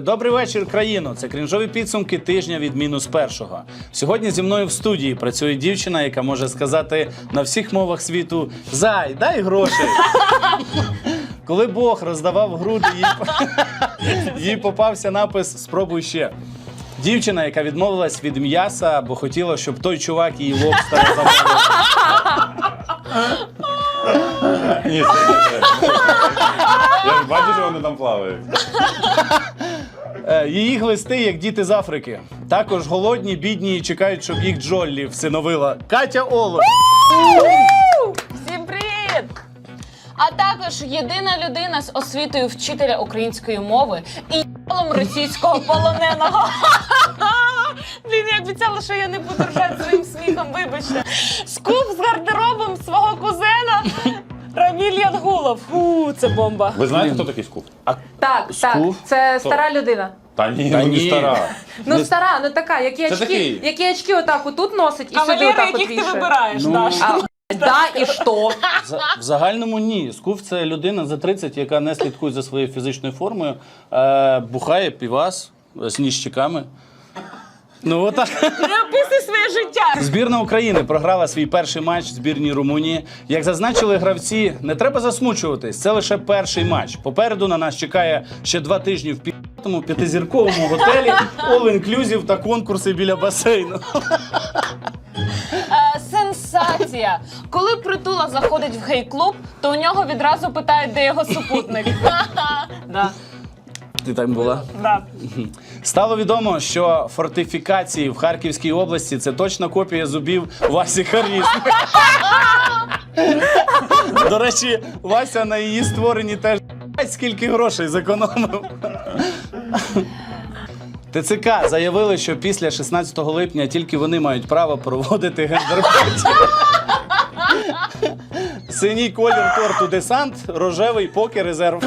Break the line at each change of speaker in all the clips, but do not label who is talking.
Добрий вечір, країно. Це крінжові підсумки тижня від мінус першого. Сьогодні зі мною в студії працює дівчина, яка може сказати на всіх мовах світу «Зай, дай грошей». Коли Бог роздавав груди, їй попався напис «Спробуй ще». Дівчина, яка відмовилась від м'яса, бо хотіла, щоб той чувак її лобстера замовив.
Ні, це. Я ж бачу, що вони там плавають.
Її глисти, як діти з Африки. Також голодні, бідні і чекають, щоб їх Джоллі всиновила. Катя Оло.
Всім привіт! А також єдина людина з освітою вчителя української мови і ***лом російського полоненого. Блін, я обіцяла, що я не буду ржати своїм сміхом, вибачте. Скуп з гардеробом свого кузена Раміль Янгулов. Фу, це бомба.
Ви знаєте, хто такий Скуф?
Так,
Скуф?
це стара людина.
Та ні,
Та
ну
ні.
не стара.
Ну стара, ну така,
такий.
які очки отак отут носить і сюди
Кавалери,
отак от
яких ти
вішає.
вибираєш, Даша.
Да, і що?
В загальному ні. Скуф – це людина за 30, яка не слідкує за своєю фізичною формою, бухає півас з ніщиками. Ну, отак.
Не описуй своє життя.
Збірна України програла свій перший матч збірній Румунії. Як зазначили гравці, не треба засмучуватись, це лише перший матч. Попереду на нас чекає ще 2 тижні в п'ятому п'ятизірковому готелі, all-inclusive та конкурси біля басейну.
Сенсація! Коли Притула заходить в гей-клуб, то у нього відразу питають, де його супутник. Да.
Ти там була?
Да.
Стало відомо, що фортифікації в Харківській області – це точна копія зубів Васі Харізми. До речі, Вася на її створенні теж скільки грошей зекономив. ТЦК заявили, що після 16 липня тільки вони мають право проводити гендерпатію. Синій колір торту десант, рожевий поки резерв.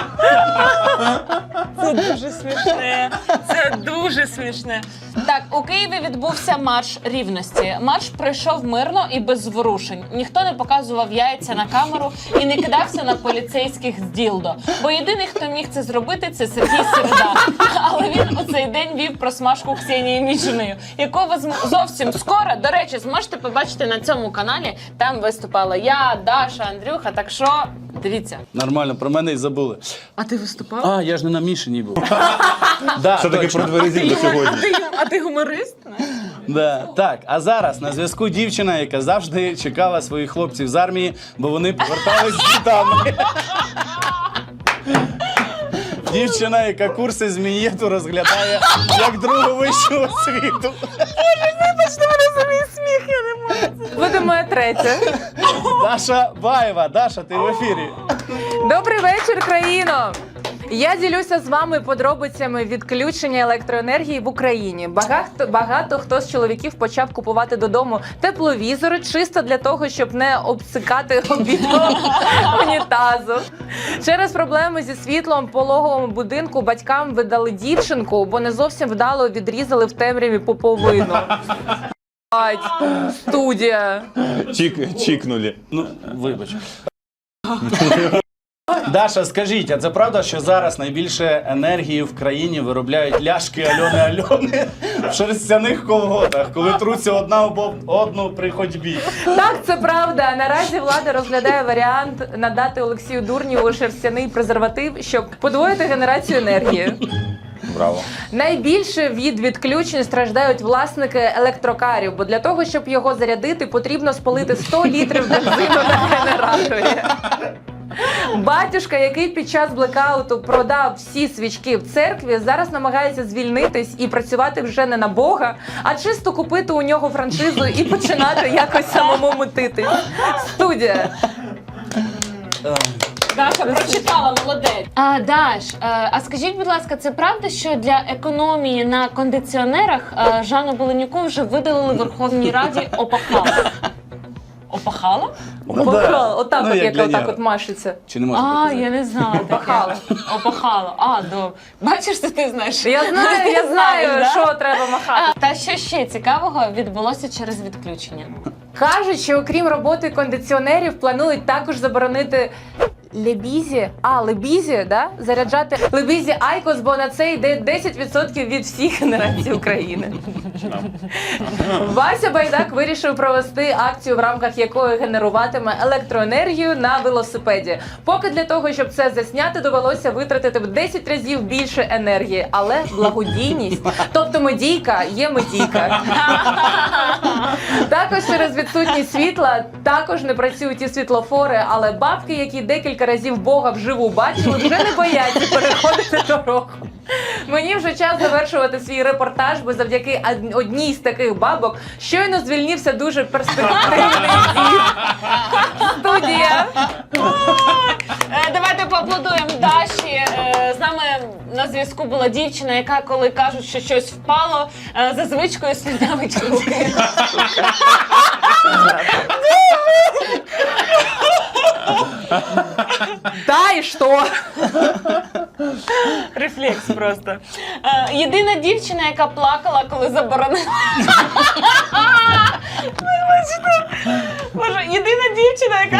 Це дуже смішне. Це дуже смішне. Так, у Києві відбувся марш рівності. Марш пройшов мирно і без зворушень. Ніхто не показував яйця на камеру і не кидався на поліцейських з ділдо. Бо єдиний, хто міг це зробити, це Сергій Середа. Але він у цей день вів просмажку Ксенії Мічиною, яку ви зовсім скоро, до речі, зможете побачити на цьому каналі. Там виступала я, Даша, Андрюха, так що дивіться.
Нормально, про мене й забули.
А ти виступав?
А, я ж не на Мішині був. Да,
Все-таки
точно.
про дверезів до сьогодні.
А ти гуморист?
Да. Так, а зараз на зв'язку дівчина, яка завжди чекала своїх хлопців з армії, бо вони повертались з дітами. Дівчина, яка курси з мін'єту розглядає як другу вищу освіту.
Вибачте мене за мій сміх, я не можу.
Буде моя третя.
Даша Баєва. Даша, ти в ефірі.
Добрий вечір, країно! Я ділюся з вами подробицями відключення електроенергії в Україні. Багато хто з чоловіків почав купувати додому тепловізори чисто для того, щоб не обсикати обідом унітазу. Через проблеми зі світлом в пологовому будинку батькам видали дівчинку, бо не зовсім вдало відрізали в темряві поповину. Студія.
Чікнули.
Ну, вибач. Даша, скажіть, а це правда, що зараз найбільше енергії в країні виробляють ляшки Альони в шерстяних колготах, коли труться одна об одну при ходьбі?
Так, це правда. Наразі влада розглядає варіант надати Олексію Дурнєву шерстяний презерватив, щоб подвоїти генерацію енергії.
Браво.
Найбільше від відключень страждають власники електрокарів, бо для того, щоб його зарядити, потрібно спалити 100 літрів бензину на генераторі. Батюшка, який під час блекауту продав всі свічки в церкві, зараз намагається звільнитись і працювати вже не на Бога, а чисто купити у нього франшизу і починати якось самому мутити. Студія.
Даша прочитала, молодець. Даш, а скажіть, будь ласка, це правда, що для економії на кондиціонерах Жанну Беленюку вже видалили в Верховній Раді опахало? Опахало?
Опахало. Отак
Ну,
от,
як
як
для
отак
нього.
от машеться.
Чи не можна показати?
Я не знала.
Опахало.
Опахало. А, добре. Бачиш, що ти знаєш?
Я
Знаєш,
знаю,
да?
що треба махати.
Та що ще цікавого відбулося через відключення?
Кажуть, що окрім роботи кондиціонерів, планують також заборонити Лебізі, Лебізі, да? Заряджати Лебізі Айкос, бо на це йде 10% від всіх генерацій України. Вася Байдак вирішив провести акцію, в рамках якої генеруватиме електроенергію на велосипеді. Поки для того, щоб це засняти, довелося витратити в 10 разів більше енергії. Але благодійність, тобто медійка є медійка. Також через відсутність світла також не працюють і світлофори, але бабки, які декілька разів Бога вживу бачили, вже не бояться переходити дорогу. Мені вже час завершувати свій репортаж, бо завдяки одній з таких бабок щойно звільнився дуже перспективний дід. Студія.
Давайте поаплодуємо Даші. З нами на зв'язку була дівчина, яка, коли кажуть, що щось впало, за звичкою слюнявить руки.
Да, і що?
Рефлекс просто. Єдина дівчина, яка плакала, коли заборонили. Вибачте. Боже, єдина дівчина, яка.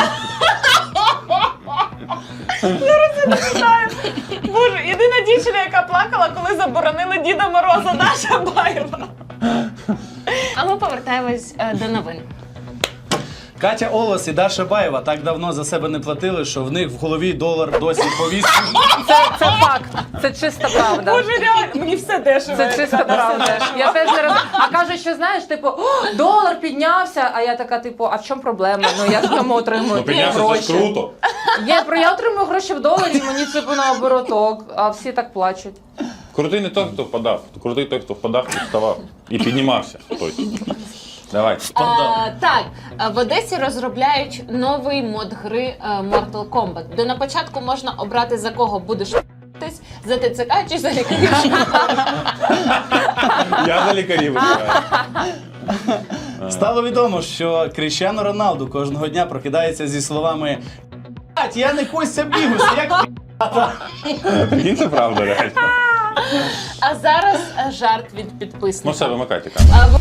Зараз я не знаю. Боже, єдина дівчина, яка плакала, коли заборонили Діда Мороза, Даша Баєва. А ми повертаємось до новин.
Катя Олос і Даша Баєва так давно за себе не платили, що в них в голові долар досі повісив.
Це факт. Це чиста правда.
Боже, реально, мені все дешево.
Це чиста правда. Я теж не роз... А кажуть, що знаєш, типу, долар піднявся, а я така, типу, а в чому проблема? Ну я ж тому отримую
Ну, піднявся, це
гроші.
ж круто.
Я отримую гроші в доларі, мені типу наоборот, а всі так плачуть.
Крутий не той, хто впадав. Крутий той, хто впадав і вставав. І піднімався. Хтось. Давай.
Так, в Одесі розробляють новий мод гри Mortal Kombat, де на початку можна обрати, за кого будеш ***тись, за ТЦК чи за лікарів.
Я за лікарів вибираю.
Стало відомо, що Кріштіану Роналду кожного дня прокидається зі словами «Блядь, я не Костя Бігус, як
Прикинь, це правда, реально.
А зараз жарт від
Ну
підписника.
все, вимикайте камеру.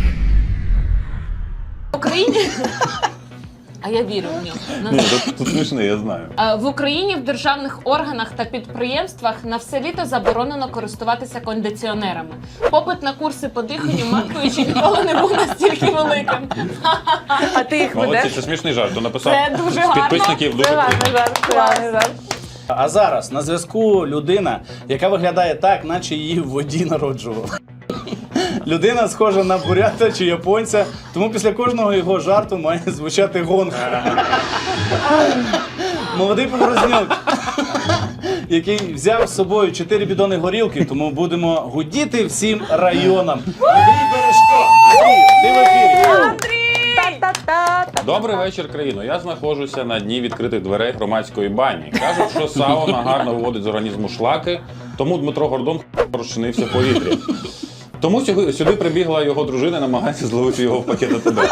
В Україні... А я вірю в нього.
Ні, тут смішно, я знаю.
В Україні в державних органах та підприємствах на все літо заборонено користуватися кондиціонерами. Попит на курси по диханню матуючи ніколи не був настільки великим.
А ти їх
Молодці,
ведеш?
це смішний жарт. То написав
Це дуже
з
гарно.
підписників дуже
Це
круто.
гарний жарт, це гарний жарт.
А зараз на зв'язку людина, яка виглядає так, наче її в воді народжували. Людина схожа на бурята чи японця, тому після кожного його жарту має звучати гонг. Молодий поворознюк, який взяв з собою 4 бідони горілки, тому будемо гудіти всім районам. Андрій Бережко! Андрій, ти в ефірі.
Та-та-та-та.
Добрий вечір, країно. Я знаходжуся на дні відкритих дверей громадської бані. Кажуть, що сауна гарно виводить з організму шлаки, тому Дмитро Гордон розчинився в повітрі. Тому сюди прибігла його дружина і намагається зловити його в пакет АТБ.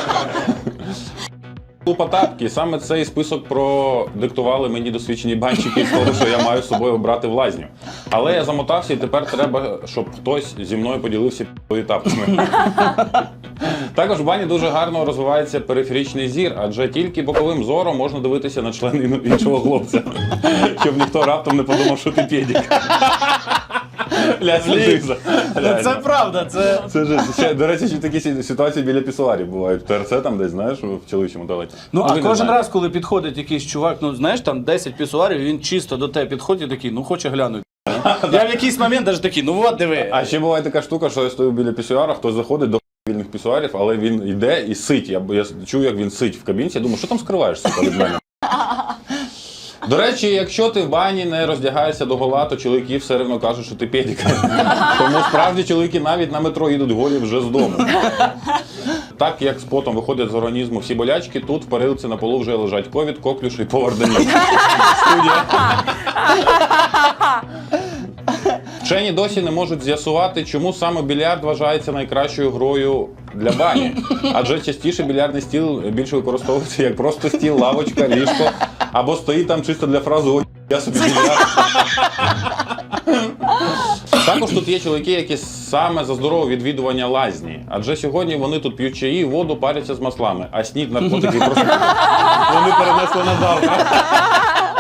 У Потапки саме цей список продиктували мені досвідчені банщики з того, що я маю з собою брати в лазню. Але я замотався і тепер треба, щоб хтось зі мною поділився етапами. Також в бані дуже гарно розвивається периферичний зір, адже тільки боковим зором можна дивитися на член іншого хлопця. Щоб ніхто раптом не подумав, що ти педик. Ляся жиза.
Це правда, це...
Це ж, ще, до речі, ще такі ситуації біля пісуарів бувають. В ТРЦ там десь, знаєш, в чоловічому туалеті.
Ну, а
ви не
кожен
знаєте.
раз, коли підходить якийсь чувак, ну, знаєш, там 10 пісуарів, він чисто до тебе підходить і такий, ну, хоче глянути. Я в якийсь момент навіть такий, ну, от диви.
А ще буває така штука, що я стою біля пісуара, хтось заходить до вільних пісуарів, але він йде і сить. Я чую, як він сить в кабінці, я думаю, що там скриваєшся від мене? До речі, якщо ти в бані не роздягаєшся догола, то чоловіки все рівно кажуть, що ти педик. Тому справді чоловіки навіть на метро їдуть голі вже з дому. Так як з потом виходять з організму всі болячки, тут в парилці на полу вже лежать ковід, коклюш і повар Даніл. Студія. Вчені досі не можуть з'ясувати, чому саме більярд вважається найкращою грою для бані. Адже частіше більярдний стіл більше використовується як просто стіл, лавочка, ліжко, або стоїть там чисто для фрази «Ой, я собі більярд». Також тут є чоловіки, які саме за здорове відвідування лазні. Адже сьогодні вони тут п'ють чаї, воду, паряться з маслами, а снід, наркотики просто вони перенесли на завтра.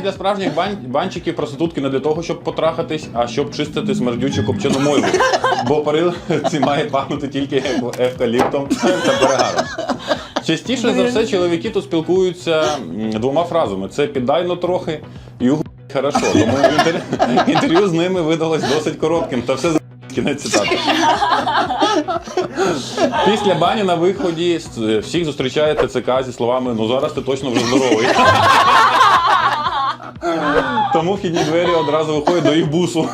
для справжніх банчиків проститутки не для того, щоб потрахатись, а щоб чистити смердючу копчену мойву. Бо парилці має пахнути тільки евкаліптом та перегаром. Частіше за все чоловіки тут спілкуються двома фразами. Це «піддай-но трохи» і «угу, хорошо». Тому інтерв'ю з ними видалось досить коротким, та все кінець цитати. Після бані на виході всіх зустрічає ТЦК зі словами «ну зараз ти точно вже здоровий». Тому вхідні двері одразу виходять до їх бусу.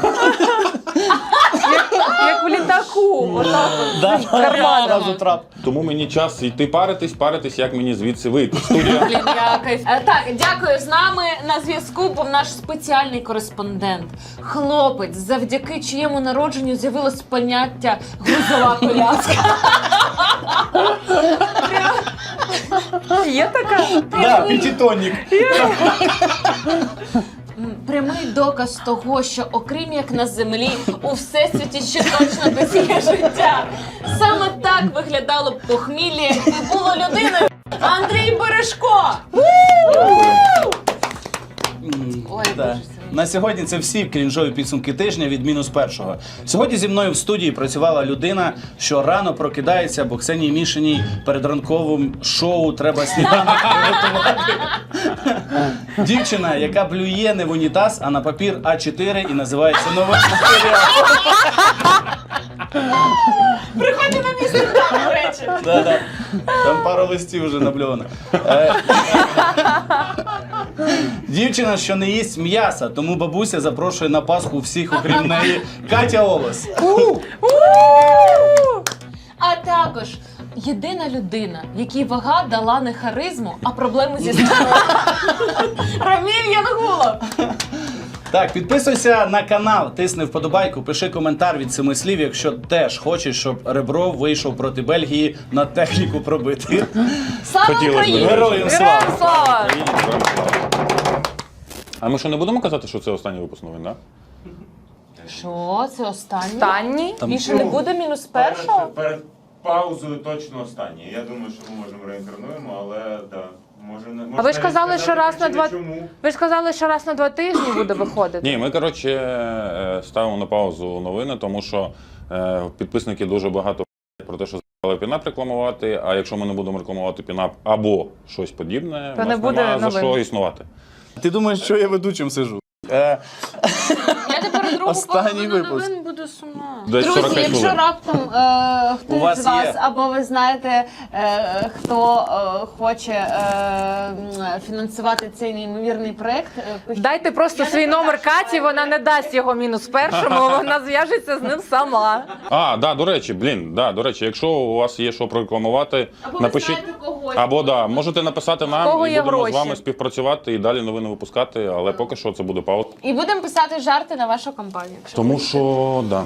Як в літаку. Отак от, з карманом.
Одразу трап.
Тому мені час йти паритись, як мені звідси вийти. Студія.
Блін, я кайф. Так, дякую. З нами на зв'язку був наш спеціальний кореспондент. Хлопець, завдяки чиєму народженню з'явилось поняття грузова коляска.
Є така?
Да, п'ятитонник.
Прямий доказ того, що окрім як на землі, у всесвіті ще точно десь є життя. Саме так виглядало б похмілля, якби було людиною. Андрій Бережко! Ой,
Да.
Боже.
На сьогодні це всі крінжові підсумки тижня від -1. Сьогодні зі мною в студії працювала людина, що рано прокидається, бо Ксенії Мішиній перед ранковим шоу треба сніданок приготувати. Дівчина, яка блює не в унітаз, а на папір А4 і називається «Новий матеріал».
Приходьте на мій стендап, до речі.
Да-да. Там пару листів вже набльовано. Дівчина, що не їсть м'яса, тому бабуся запрошує на Пасху всіх, окрім неї, Катя Олес.
А також єдина людина, якій вага дала не харизму, а проблеми зі здоров'ям. Раміль Янгулов.
Так, підписуйся на канал, тисни вподобайку, пиши коментар від 7 слів, якщо теж хочеш, щоб Ребров вийшов проти Бельгії на техніку пробити.
Слава
Хотілося б.
Україні!
Героям слава!
Героям слава!
А ми що, не будемо казати, що це останній випуск новин, так?
Що, це останнє?
Останній?
Більше не буде -1?
Перед паузою точно останнє. Я думаю, що ми можемо реінкарнуємо, але да. Може, не
А ви ж казали, що раз на два...
Чому?
Ви ж казали, що раз на 2 тижні буде виходити.
Ні, ми, коротше, ставимо на паузу новини, тому що підписники дуже багато про те, що з**ли пінап рекламувати, а якщо ми не будемо рекламувати пінап або щось подібне,
То
у
не
нас
буде
немає за
новин.
що існувати.
Ти думаєш, що я ведучим сиджу?
Я тепер другу
Останній
половину
випуск.
новин буду сумна.
Десь
Друзі,
45
якщо
хвилин.
раптом
У
хтось
вас
з вас
є.
або ви знаєте, хто хоче фінансувати цей неймовірний проект, пишіть.
Дайте просто свій номер Каті, вона не дасть його -1, вона зв'яжеться з ним сама.
А, да, до речі, до речі, якщо у вас є що прорекламувати,
Або ви
напишіть.
знаєте когось.
Або да, можете написати нам
кого
і
є
будемо
гроші?
з вами співпрацювати і далі новини випускати, але поки що це буде пауза.
І будемо писати жарти на вашу компанію. якщо
Тому що, да.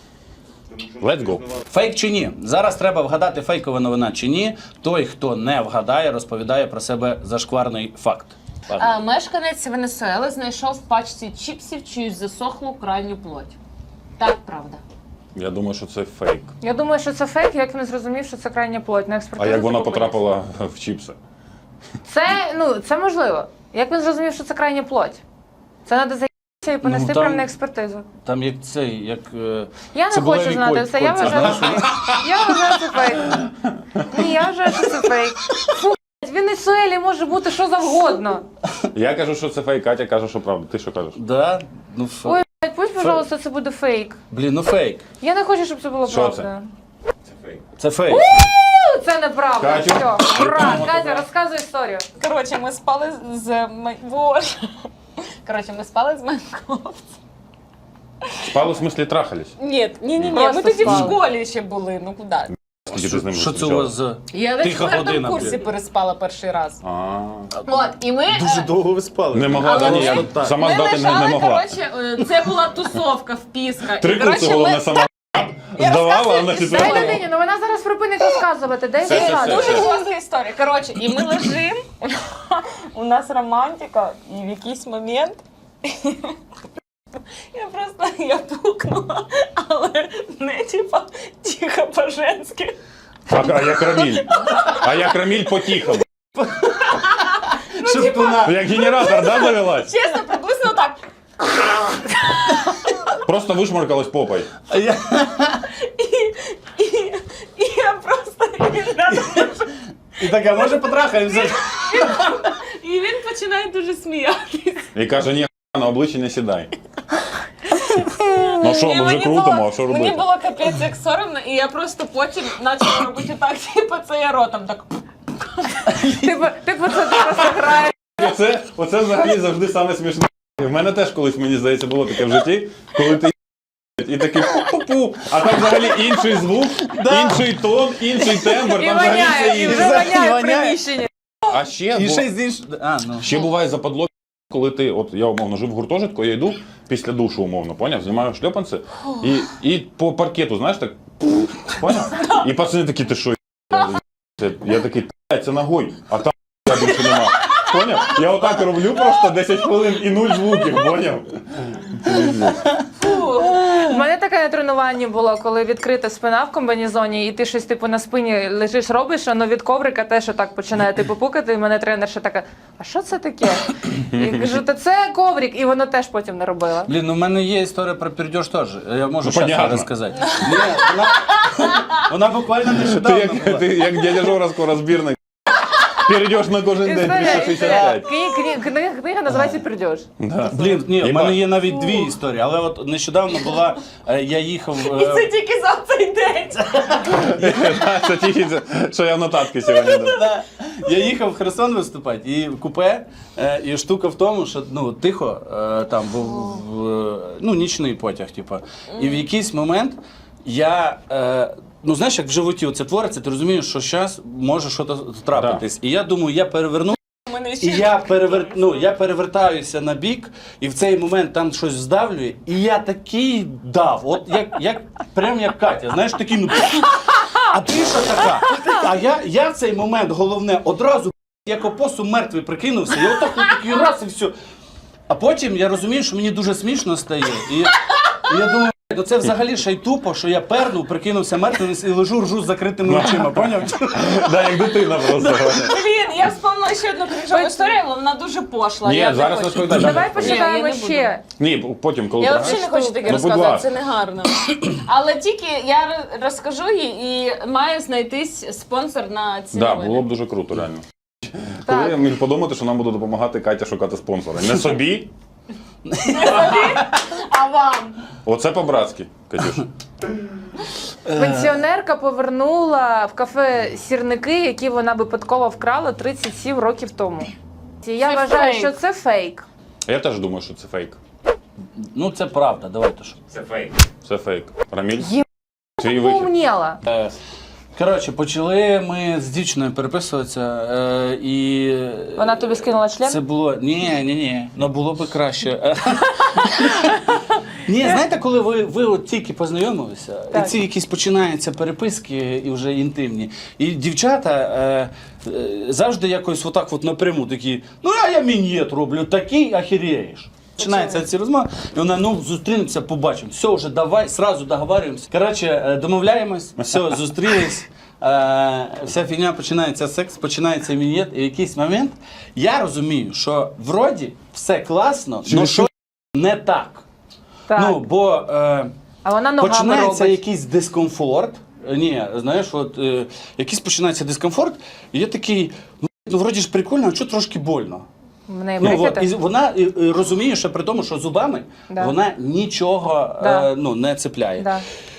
Let's go.
Фейк чи ні? Зараз треба вгадати, фейкова новина чи ні. Той, хто не вгадає, розповідає про себе зашкварний факт.
Мешканець Венесуели знайшов в пачці чіпсів чиюсь засохлу крайню плоть. Так, правда.
Я думаю, що це фейк.
Я думаю, що це фейк, як він зрозумів, що це крайня плоть. На
А
експертизу
як вона
закупились.
потрапила в чіпси?
Це можливо. Як він зрозумів, що це крайня плоть? Це треба заїхатися і понести
там-
прямо на експертизу.
Там як цей, як
Я не
цибулеві
хочу знати все, я
кольця,
вважаю,
знаєш?
що фейк. Я вважаю, це фейк. Ні, я вважаю, що це фейк. Фу, в Венесуелі може бути що завгодно.
Я кажу, що це фейк, Катя каже, що правда. Ти що кажеш?
Да? Ну,
Ой, пусть, пожалуйста, це буде фейк.
Блін, ну фейк.
Я не хочу, щоб це було
Що
правда.
Це фейк.
Це фейк.
Це неправда.
Катю.
Все, ура, Катя, розказуй історію.
Коротше, ми спали з... Боже. Коротше, ми спали з моїм хлопцем.
Спали в смислі трахались?
Ні.
Просто
Ми тоді в
спали.
школі ще були, ну куди?
Скільки ти з ним
Що це у
зустрічалась?
вас за...
Я на
Тиха
4-му
година,
курсі
блін.
переспала перший раз.
А,
От, і ми...
Дуже довго ви спали.
не могла,
Але
да, ні,
ми-
я
так.
сама
Ми
здати
лежали,
не могла.
коротше, це була тусовка в Піска.
Три
І,
курси
коротше,
головне
ми-
сама здавала, а на
Дай
четвертому.
людині, ну вона зараз припинить розказувати. Дай
Все, все,
розказувати.
все.
Дуже класна історія. Коротше, і ми лежимо, у нас романтика, і в якийсь момент я пукнула, але не типа тихо по-женськи.
А як Раміль? А як Раміль потіхав?
Шептуна.
Як генератор, да, завелась?
Чесно, приблизно так.
Просто вишмаркалась попой.
А я-
І я просто він рядом лежить.
І така, може потрахаємося?
І він починає дуже сміятися.
І каже, ні, на обличчя не сідай. Ну що, ми вже
Мені
крутимо,
було-
а що
Мені
робити?
було капець як соромно, і я просто потім почала робити так, типу це я ротом так.
Типу, це ти просто граєш.
Оце взагалі завжди саме смішне. В мене теж колись, мені здається, було таке в житті, коли ти і такий пу-пу, а там взагалі інший звук, інший тон, інший тембр,
І
там взагалі
воняє,
все
і
інше.
вже воняє в
воняє.
приміщенні.
А ще,
І ще з іншого. А, ну.
ще буває западло, коли ти, от я умовно жив в гуртожитку, я йду після душу, умовно, поняв, знімаю шльопанці, і по паркету, знаєш, так, поняв? І пацани такі, ти що, я такий, це ногой, а там більше нема. Поняв? Я отак роблю просто 10 хвилин і 0 звуків, поняв?
У мене таке на тренуванні було, коли відкрита спина в комбінезоні, і ти щось типу на спині лежиш, робиш, воно від коврика теж отак починає типу пукати, і мене тренерша така, а що це таке? І кажу, та це коврик, і воно теж потім не робила.
Блін, ну в мене є історія про пердеж теж. Я можу
Ну,
зараз
понятно.
розказати. Ні, вона буквально
Ти
нещодавно
як,
була.
ти як дядя Жора скоро збірник. Перейдеш на кожен день
Історія,
365.
книга називається «Пердеж».
Да.
Блін, ні, в
Єбать.
мене є навіть дві історії, але от нещодавно була, я їхав.
І це тільки за цей день.
Це тільки, що я в нотатки сьогодні дав.
Да. Я їхав в Херсон виступати, і в купе, і штука в тому, що ну, тихо, там був ну, нічний потяг, типу. І в якийсь момент я. Ну, знаєш, як в животі це твориться, ти розумієш, що зараз може щось трапитись. І я думаю, я переверну.
Мене
І
ще
я перевертаюся на бік, і в цей момент там щось здавлює, і я такий дав, от прям як Катя, знаєш, такий, ну, а ти що така? А я в цей момент, головне, одразу, як опосум мертвий прикинувся, я отак такий раз і все. А потім я розумію, що мені дуже смішно стає, і я думаю, ну це взагалі ще й тупо, що я пернув, прикинувся мертвим і лежу, ржу з закритими очима, поняв?
Да, як дитина просто.
Блін, я вспомнила ще одну крінжову історію, але вона дуже пошла.
Ні,
Я не
зараз
хочу.
розповідай.
Давай
Ні, я
почитаємо
не
ще.
Ні, потім, коли
Я
програєш.
взагалі не хочу таке
Ну, будь
розказувати,
ласка.
це не гарно. Але тільки я розкажу і має знайтись спонсор на ці
Да,
новини.
було б дуже круто, реально.
Так.
Коли я міг подумати, що нам буде допомагати Катя шукати спонсора. Не собі,
А вам?
оце по-братськи, Катюш.
Пенсіонерка повернула в кафе сірники, які вона випадково вкрала 37 років тому. Я
Це
вважаю,
фейк.
що це фейк.
Я теж думаю, що це фейк.
Ну це правда, давайте що.
Це фейк.
Це фейк. Раміль?
Є-
Твій вихід.
Поумніла.
Коротше, почали ми з дівчиною переписуватися, і
Вона тобі скинула член?
це було. Ні, ну було б краще. Ні, знаєте, коли ви от тільки познайомилися,
Так.
і ці якісь починаються переписки і вже інтимні. І дівчата завжди якось отак от напряму такі, ну а я мін'єт роблю, такий ахірєєш. Починається ці розмови, і вона, ну, зустрінемося, побачимо. Все, вже давай, сразу договарюємося. Коротше, домовляємось, все, зустрілись. Вся фігня починається секс, починається мін'єт, і в якийсь момент я розумію, що вроді все класно, але що не так.
Так.
Ну, бо
А вона ногами
починається
робить.
якийсь дискомфорт. Ні, знаєш, от якийсь починається дискомфорт, і я такий, ну вроді ж прикольно, а чого трошки больно.
В неї
Ну, от,
брекети?
і вона розуміє, що при тому, що зубами
Да.
вона нічого
Да.
ну, не цепляє.
Да.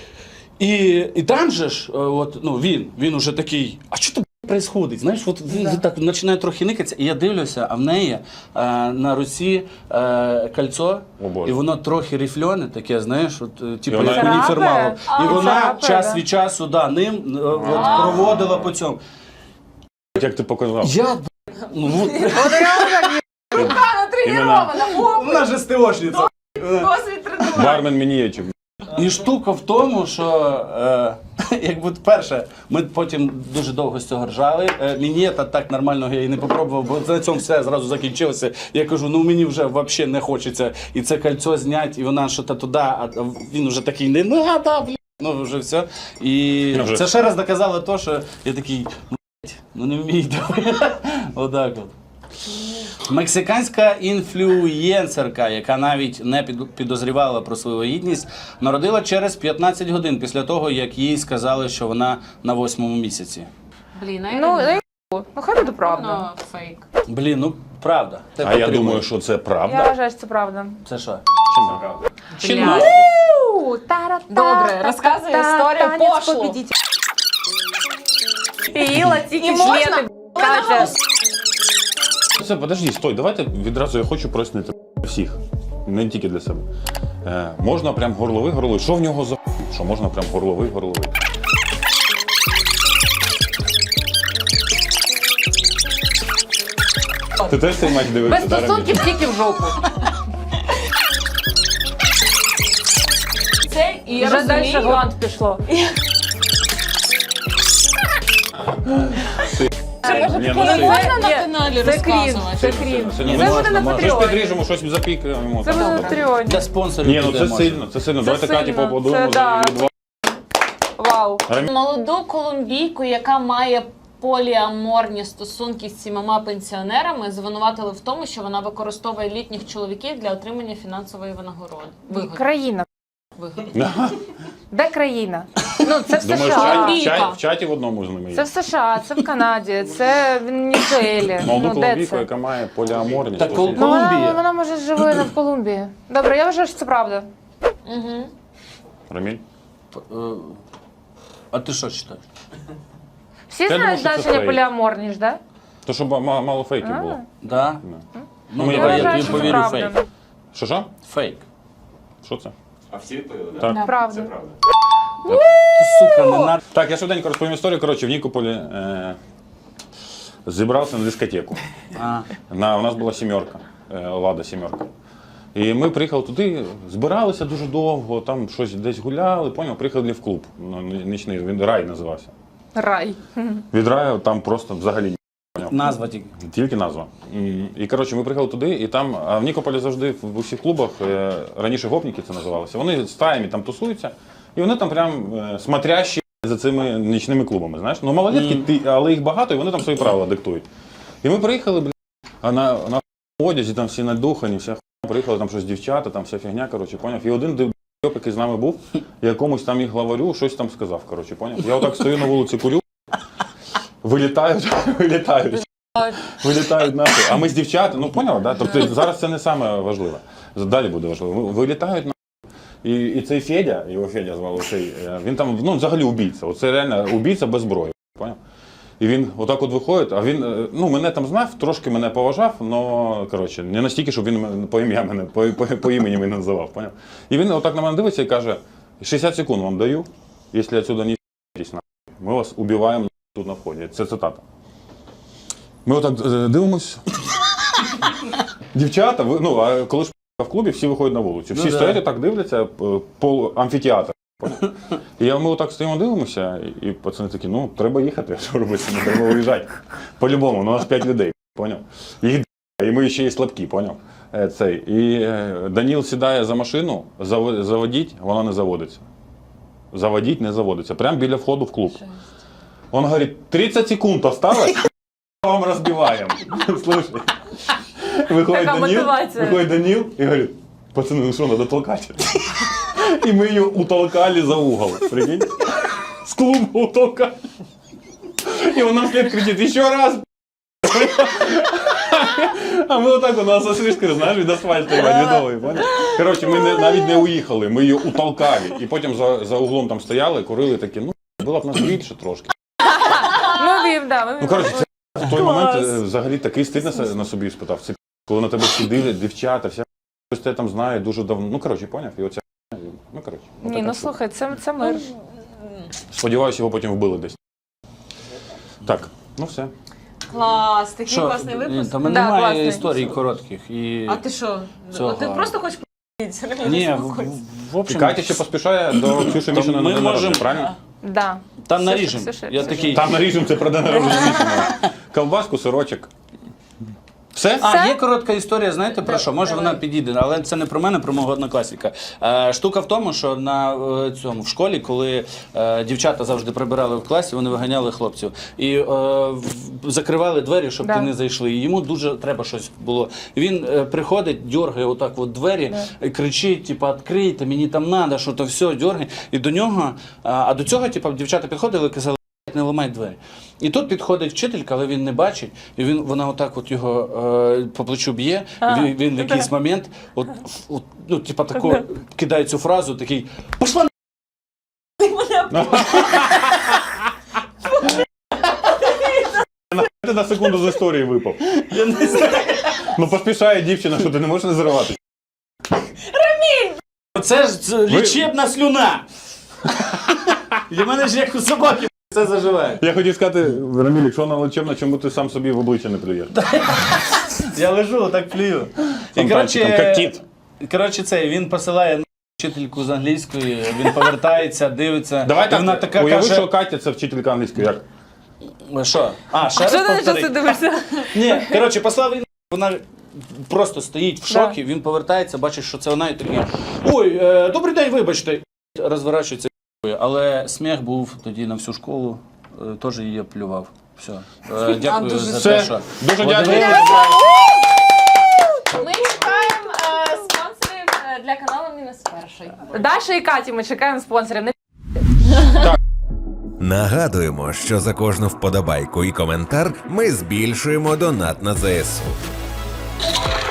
І там же ж, от, ну, він уже такий, а що там відбувається? Знаєш, от він так починає трохи никатися, і я дивлюся, а в неї на руці кольцо,
О, Боже.
і воно трохи рифльоне, таке, знаєш, от, типу,
вона-
як уніформало.
Царапає?
І вона
Царапає,
час
да.
від часу ним от, проводила по цьому.
Як ти показав?
Я, ну,
От реально так є.
Натренирована,
вона ж СТОшниця.
досвід тренування.
Бармен мінієчик.
І штука в тому, що якби перше, ми потім дуже довго з цього ржали. Мінєта так нормального я і не попробував, бо на цьому все зразу закінчилося. Я кажу, ну мені вже взагалі не хочеться і це кольцо зняти, і вона що-то туди, а він вже такий не надо, блін. Ну вже все. І
Ну, вже.
це ще раз доказало те, що я такий, ну не вмію. Отак от. Мексиканська інфлюєнсерка, яка навіть не підозрівала про свою вагітність, народила через 15 годин після того, як їй сказали, що вона на 8-му місяці.
Блін,
Ну хай буде правда.
фейк.
Блін, ну правда. Це
А я
потрібно.
думаю, що це
Я
правда.
вважаю, що це правда.
Це що?
Правда.
Чи
Бля.
ні?
Добре, розказуй історію пошлу.
Іла тільки
І можна?
члени, каже.
Це, подожди, стой, давайте відразу я хочу прояснити всіх, не тільки для себе. Можна прям горловий. Що в нього за що можна прям горловий? Ти теж цей матч дивився?
Без
да, Раміль?
стосунків тільки в жопу.
Це і я
Вже далі
розумію.
гланд пішло.
Ні, ну
Не
ти-
можна на
Ні,
каналі
це крінж,
розказувати.
це крінж.
Сильно
Це
не
буде
можна,
на
можна. Щось
Патреоні.
підріжемо, щось запікаємо.
Це буде на Патреоні.
Для спонсорів.
Ні, ну
буде
це
можна.
сильно, це сильно.
Це
Давайте Каті
сильно.
поаплодуємо.
Це да.
за її
Вау.
Молоду колумбійку, яка має поліаморні стосунки з 7 пенсіонерами, звинуватили в тому, що вона використовує літніх чоловіків для отримання фінансової винагороди.
Країна.
Вигоди.
Де країна? Ну, це в
Думаю,
США.
в чаті в одному з ними є.
Це в США, це в Канаді, це в Венесуелі.
Молоду
Ну, де
колумбійку,
це?
яка має поліаморність.
Так,
ось
кол-
є.
Ну,
Колумбія.
вона може живе в Колумбії. Добре, я вважаю, що це правда.
Угу.
Раміль?
А ти що читаєш?
Всі
думаю,
знають
що це
значення
фейк.
поліаморність, так?
То, щоб мало фейків було.
Да? Ну,
Я
давай, я
вважаю,
тобі
що це
повірю,
правда.
фейк.
Що?
Фейк.
Що це?
А всі відповіли, так?
Так.
Це
Правда.
правда.
Ти, сука, не на...
Так, я швиденько розповім історію. Коротше, в Нікополі зібрався на дискотеку.
А.
У нас була сімерка, Лада сімерка. І ми приїхали туди, збиралися дуже довго, там щось десь гуляли, поняв, приїхали в клуб. Ну, нічний, він рай називався.
Рай.
Від раю там просто взагалі
Назва тільки.
тільки назва. І коротше, ми приїхали туди, і там, а в Нікополі завжди в усіх клубах, раніше гопніки це називалося, вони стаями там тусуються, і вони там прям смотрящі за цими нічними клубами, знаєш. Ну, малолетки, але їх багато, і вони там свої правила диктують. І ми приїхали, а на одязі там всі надухані, вся хуйня, приїхали там щось дівчата, там вся фігня, коротше, поняв. І один дебьоп, який з нами був, якомусь там їх главарю, щось там сказав, коротше, поняв. Я отак стою на вулиці, курю, вилітають нахуй. А ми з дівчат, ну поняв, да? Тобто зараз це не саме важливе. Далі буде важливо. Вилітають нахуй. І цей Федя, його Федя звали, він там, ну, взагалі убійця. Оце реально убійця без зброї. Поняв? І він отак от виходить, а він, ну, мене там знав, трошки мене поважав, але, коротше, не настільки, щоб він по ім'я мене, по імені мене називав, поняв? І він отак на мене дивиться і каже, 60 секунд вам даю, якщо отсюда не ***тесь, ми вас убиваємо тут на вході. Це цитата. Ми отак дивимось. Дівчата, ну, а коли ж в клубі, всі виходять на вулицю. Всі стоять і так дивляться, амфітеатр. І ми отак стоїмо, дивимося, і пацани такі, ну, треба їхати, що робити, не треба виїжджати. По-любому, у нас 5 людей, поняв? Їх і ми ще й слабкі, поняв? І Даніл сідає за машину, заводіть, вона не заводиться. Заводіть, не заводиться. Прямо біля входу в клуб. Он говорить, 30 секунд осталось, вам розбиваємо. Слушай. Виходить Даніл і говорить, пацани, ну що, треба толкати. І ми її утолкали за угол. Прикинь? З клубу утолкали. І вона вслед кричить, ще раз. А ми отак, у нас освішки, знаєш, від асфальту відовий, поняв? Коротше, ми навіть не уїхали, ми її утолкали. І потім за углом там стояли, курили такі, ну, було б нас більше трошки.
Ну,
коротше, це в той момент взагалі такий стид на собі спитав. Це коли на тебе всі дивлять, дівчата, вся хтось тебе там знає дуже давно. Ну, коротше, поняв? І оця, ну, коротше.
Ні, ну слухай, це мир.
Сподіваюся, його потім вбили десь. Так, ну все.
Клас, такий
Що?
класний випуск.
Там немає історій коротких. І...
А ти що?
Цього.
Ти просто хочеш
Ні, в
І
общем,
Катя ще поспішає до Ксюші Мішина
ми
на день народження,
можемо-
правильно?
Да.
там наріжемо.
Ксюша,
Я
Ксюша.
такий,
Там наріжемо це про день народження Мішина. Ковбаску, сирочок. Все?
А, є коротка історія, знаєте про що? Може вона підійде, але це не про мене, про мого однокласника. Штука в тому, що в школі, коли дівчата завжди прибирали в класі, вони виганяли хлопців. І закривали двері, щоб
Да.
ти не зайшли. І йому дуже треба щось було. Він приходить, дьоргає отак от двері, і кричить, типу, відкрийте, мені там треба, що то все, дьоргає. І до нього, а до цього, типу, дівчата підходили і казали, не ламай двері. І тут підходить вчителька, але він не бачить, і вона отак от його по плечу б'є, він в якийсь момент, ну, типа тако, кидає цю фразу, такий, пошла
Ти на секунду з історії випав.
я не знаю.
Ну поспішає дівчина, що ти не можеш не зриватися.
Це ж лічебна слюна. Для мене ж як у собаки це заживає.
Я хотів сказати, Раміль, якщо вона лечебна, чому ти сам собі в обличчя не плюєш?
Я лежу, так плюю. І
Фонтанчиком, як кіт.
коротше, він посилає вчительку з англійської, він повертається, дивиться.
Давай
і вона
так,
така
уяви,
каже,
що Катя це вчителька англійської, як?
Що? А, ще раз
Що ти на
повтори.
це дивишся?
Ні, коротше, послав він, вона просто стоїть в шокі, він повертається, бачить, що це вона і такий, ой, добрий день, вибачте. Розворачується, але сміх був тоді на всю школу, теж її плював. Все. Дякую
дуже
за
Все.
те, що...
Дуже
От
дякую.
дивились.
Ми чекаємо спонсорів для каналу Мінус Перший.
Даша і Каті, ми чекаємо спонсорів.
Нагадуємо, що за кожну вподобайку і коментар ми збільшуємо донат на ЗСУ.